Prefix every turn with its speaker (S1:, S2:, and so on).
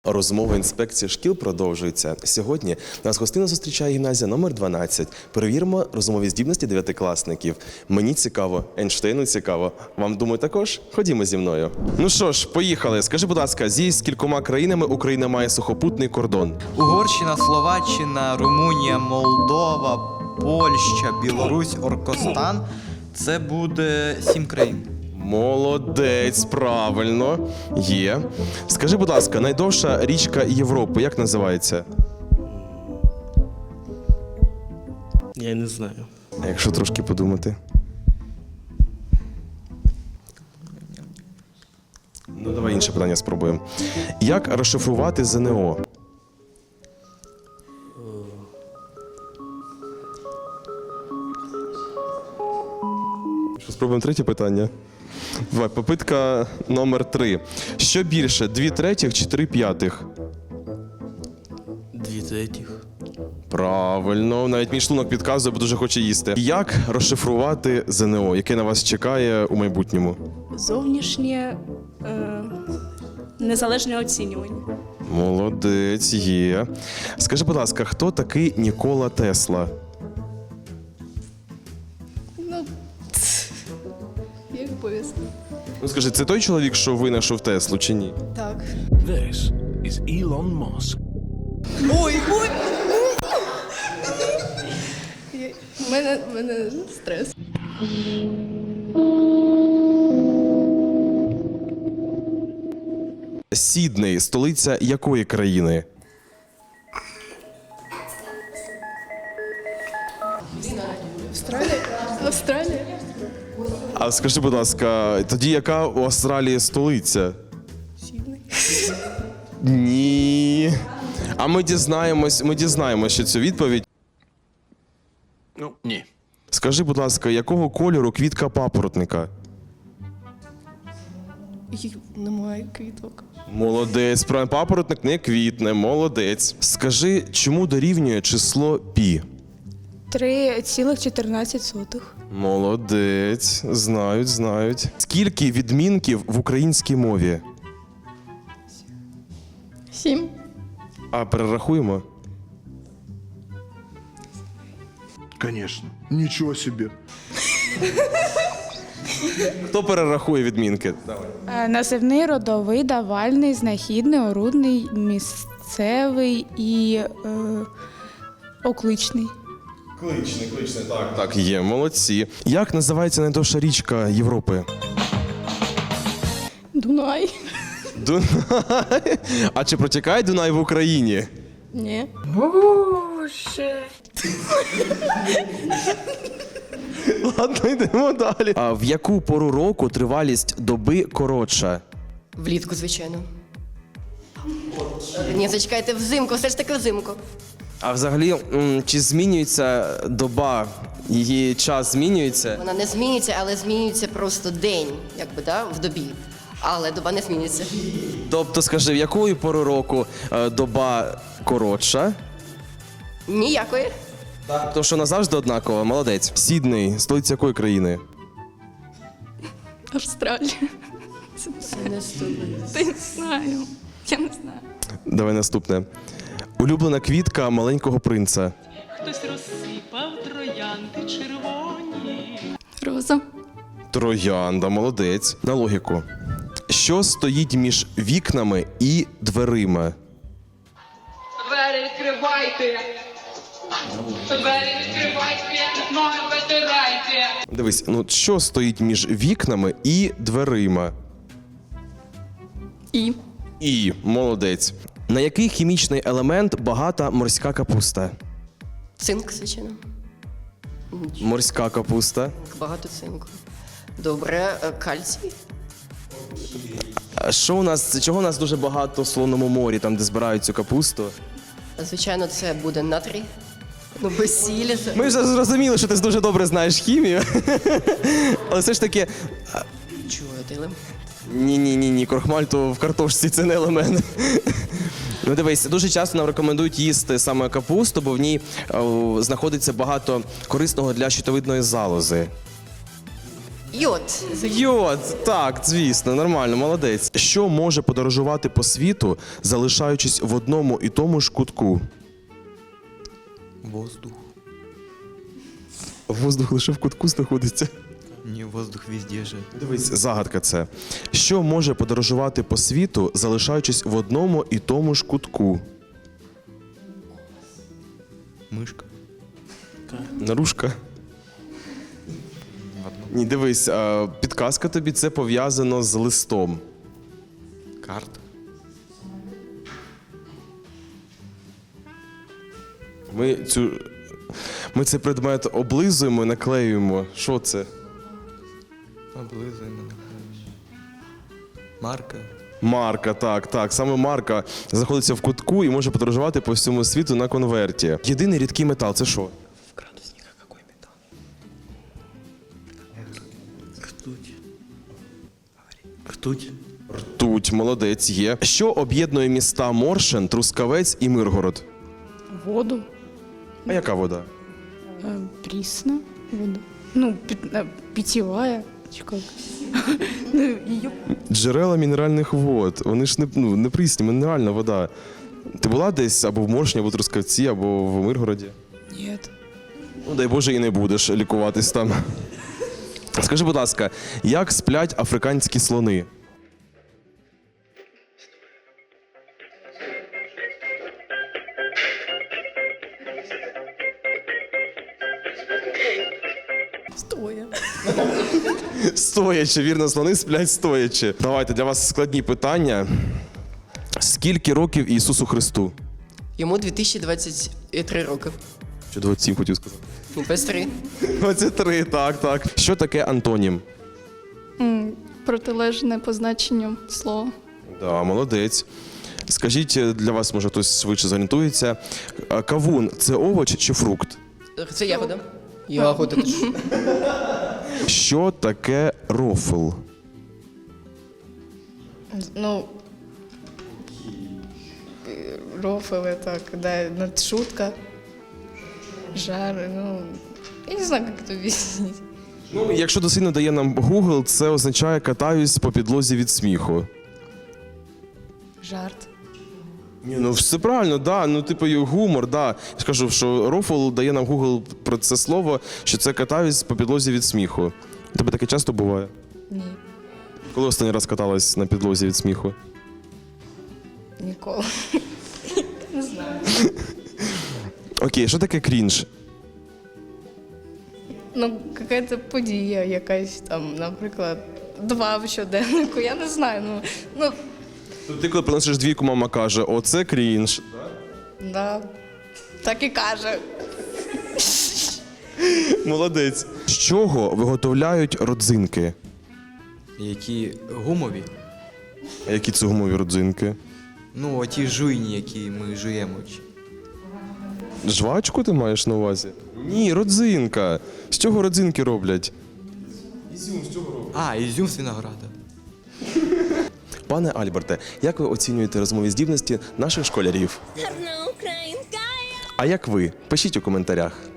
S1: Розмова інспекції шкіл продовжується. Сьогодні нас гостинно зустрічає гімназія номер 12. Перевіримо розмові здібності дев'ятикласників. Мені цікаво, Ейнштейну цікаво. Вам, думаю, також? Ходімо зі мною. Ну що ж, поїхали. Скажи, будь ласка, зі скількома країнами Україна має сухопутний кордон?
S2: Угорщина, Словаччина, Румунія, Молдова, Польща, Білорусь, Оркостан. Це буде 7 країн.
S1: Молодець, правильно. Є. Скажи, будь ласка, найдовша річка Європи, як називається?
S3: Я не знаю.
S1: А якщо трошки подумати? Ну, давай інше питання спробуємо. Як розшифрувати ЗНО? Що, спробуємо третє питання? Давай, попитка номер 3. Що більше, 2/3 чи 3/5?
S3: 2/3.
S1: Правильно, навіть мій шлунок підказує, бо дуже хоче їсти. Як розшифрувати ЗНО, яке на вас чекає у майбутньому?
S4: Зовнішнє незалежне оцінювання.
S1: Молодець, є. Скажи, будь ласка, хто такий Нікола Тесла?
S4: Як пояснити?
S1: Ну скажи, це той чоловік, що винайшов Теслу, чи ні?
S4: Так.
S5: This is Elon Musk.
S4: Ой! У мене стрес.
S1: Сідней – столиця якої країни?
S4: Австралія?
S1: А скажи, будь ласка, тоді яка у Австралії столиця?
S4: Сідней.
S1: Ні. А ми дізнаємося цю відповідь.
S5: Ну, ні.
S1: Скажи, будь ласка, якого кольору квітка папоротника?
S4: Їх немає квіток.
S1: Молодець, правильно, папоротник не квітне, молодець. Скажи, чому дорівнює число пі?
S4: 3,14.
S1: Молодець, знають. Скільки відмінків в українській мові?
S4: 7.
S1: А перерахуємо?
S5: Конечно. Ничего себе.
S1: Хто перерахує відмінки?
S6: Називний, родовий, давальний, знахідний, орудний, місцевий і окличний.
S1: Кличний, так. Так, є, молодці. Як називається найдовша річка Європи?
S4: Дунай.
S1: Дунай. А чи протікає Дунай в Україні?
S4: Ні.
S1: Ладно, йдемо далі. А в яку пору року тривалість доби коротша?
S7: Влітку, звичайно. Ні, зачекайте, взимку, все ж таки взимку.
S1: А взагалі, чи змінюється доба? Її час змінюється?
S7: Вона не змінюється, але змінюється просто день, якби, да, в добі. Але доба не змінюється.
S1: Тобто, скажи, в яку пору року доба коротша?
S7: Ніякої.
S1: Тому що назавжди однакова, молодець. Сідней, столиця якої країни?
S4: Австралія. Та я не знаю. Я не знаю.
S1: Давай наступне. Улюблена квітка маленького принца.
S8: Хтось розсипав троянди червоні.
S4: Роза.
S1: Троянда, молодець. На логіку. Що стоїть між вікнами і дверима?
S8: Двері відкривайте! Двері відкривайте! Ноги витирайте!
S1: Дивись, ну що стоїть між вікнами і дверима? І, молодець. На який хімічний елемент багата морська капуста?
S7: Цинк, звичайно.
S1: Морська капуста.
S7: Багато цинку. Добре, кальцій.
S1: А чого у нас дуже багато в Солоному морі, там, де збирають цю капусту?
S7: Звичайно, це буде натрій. Ну, без сілі.
S1: Ми вже зрозуміли, що ти дуже добре знаєш хімію. Але все ж таки...
S7: Чого ти елемент?
S1: Ні, крохмаль то в картошці, це не елемент. Ну дивись, дуже часто нам рекомендують їсти саме капусту, бо в ній знаходиться багато корисного для щитовидної залози.
S7: Йод.
S1: Йод, так, звісно, нормально, молодець. Що може подорожувати по світу, залишаючись в одному і тому ж кутку?
S2: Воздух.
S1: Воздух лише в кутку знаходиться.
S2: Ні, воздух везде же.
S1: Дивись, загадка це. Що може подорожувати по світу, залишаючись в одному і тому ж кутку?
S2: Мишка.
S1: Нарушка. Ні, дивись, підказка тобі, це пов'язано з листом.
S2: Карта.
S1: Ми цей предмет облизуємо і наклеюємо. Що це?
S2: Облизуємо. Марка.
S1: Марка, так. Саме марка знаходиться в кутку і може подорожувати по всьому світу на конверті. Єдиний рідкий метал це що?
S2: В градусниках какой металл?
S3: Ртуть. Ртуть.
S1: Ртуть, молодець, є. Що об'єднує міста Моршин, Трускавець і Миргород?
S6: Воду.
S1: А яка вода?
S6: Прісна вода. Ну, питьевая. Чи як? Ну, її
S1: Джерела мінеральних вод. Вони ж не прісні, мінеральна вода. Ти була десь або в Моршині, або в Трускавці, або в Миргороді?
S6: ні.
S1: Ну, дай Боже, і не будеш лікуватись там. Скажи, будь ласка, як сплять африканські слони?
S4: Стоя.
S1: Стоячи, вірно, слони сплять стоячи. Давайте, для вас складні питання. Скільки років Ісусу Христу?
S7: Йому 2023 роки.
S1: Чи 27 хотів сказати?
S7: 23.
S1: 23, так. Що таке антонім?
S4: Протилежне позначенню слова.
S1: Да, молодець. Скажіть, для вас, може, хтось швидше зорієнтується. Кавун – це овоч чи фрукт?
S7: Це ягода. Ягода теж.
S1: Що таке рофл?
S9: Ну, рофлы, так, да, ну, шутка, жар, ну, я не знаю, как это объяснить.
S1: Ну, якщо дослівно дає нам Google, це означає «катаюсь по підлозі від сміху».
S9: Жарт.
S1: Ні, ну все правильно, да. Ну, типу, гумор, да. Я ж кажу, що рофл дає нам Google про це слово, що це «катаюсь по підлозі від сміху». У тебе таке часто буває?
S9: Ні,
S1: Коли останній раз каталась на підлозі від сміху?
S9: ніколи. Не знаю.
S1: Окей, що таке крінж?
S9: Ну, какая-то подія якась там, наприклад, 2 в щоденнику, я не знаю, ну,
S1: Ти коли приносиш двійку, мама каже, оце крінж.
S9: да, так і каже.
S1: Молодець. З чого виготовляють родзинки?
S2: Які гумові?
S1: А які це гумові родзинки?
S2: Ну, оті жуйні, які ми жуємо.
S1: Жвачку ти маєш на увазі? Ні, родзинка. З чого родзинки роблять?
S2: А, ізюм з винограда.
S1: Пане Альберте, як ви оцінюєте розмові здібності наших школярів?
S10: Гарна українка.
S1: А як ви? Пишіть у коментарях.